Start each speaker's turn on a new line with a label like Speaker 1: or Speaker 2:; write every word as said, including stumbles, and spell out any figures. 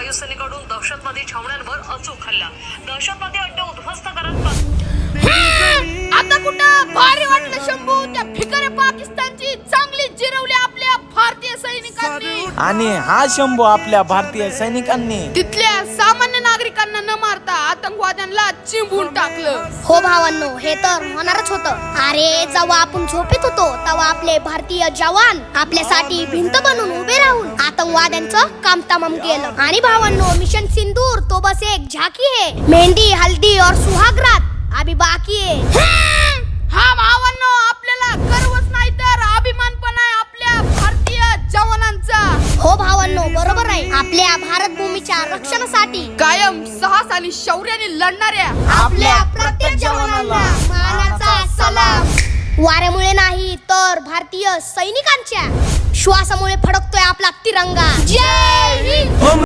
Speaker 1: वायुसेनेकडून दहशतवादी छावण्यांवर अचूक हल्ला, दहशतवादी अड्डे उद्ध्वस्त करत
Speaker 2: आता कुठं भारी वाटलं शंभू, त्या फिकरे पाकिस्तानची चांगली जिरवली आपल्या भारतीय सैनिकांनी.
Speaker 3: आणि हा शंभू आपल्या भारतीय सैनिकांनी
Speaker 2: तिथल्या सामान्य नागरिकांना न मारता आतंकवाद्यांना चिंबून टाकलं.
Speaker 4: हो भावांनो, हे तर होणारच होतं. अरे जेव्हा आपण झोपेत होतो तेव्हा आपले भारतीय जवान आपल्यासाठी भिंत बनून उभे राहून आतंकवाद्यांचं काम तमाम केलं. आणि भावांनो, मिशन सिंदूर तो बस एक झाकी है, मेहंदी हल्दी और सुहागरात अभी बाकी है.
Speaker 2: हा भावांनो, आपल्याला गर्वच नाही तर अभिमान पण आहे आपल्या भारतीय जवानांचा.
Speaker 4: हो भावांनो, बरोबर आहे. आपल्या भारत भूमीच्या रक्षणासाठी
Speaker 2: कायम साहस आणि शौर्याने लढणाऱ्या
Speaker 4: आपल्या प्रत्येक जवानांना मानाचा सलाम. वाऱ्यामुळे नाही तर भारतीय सैनिकांच्या श्वासामुळे फडकतोय आपला तिरंगा. जय हिंद.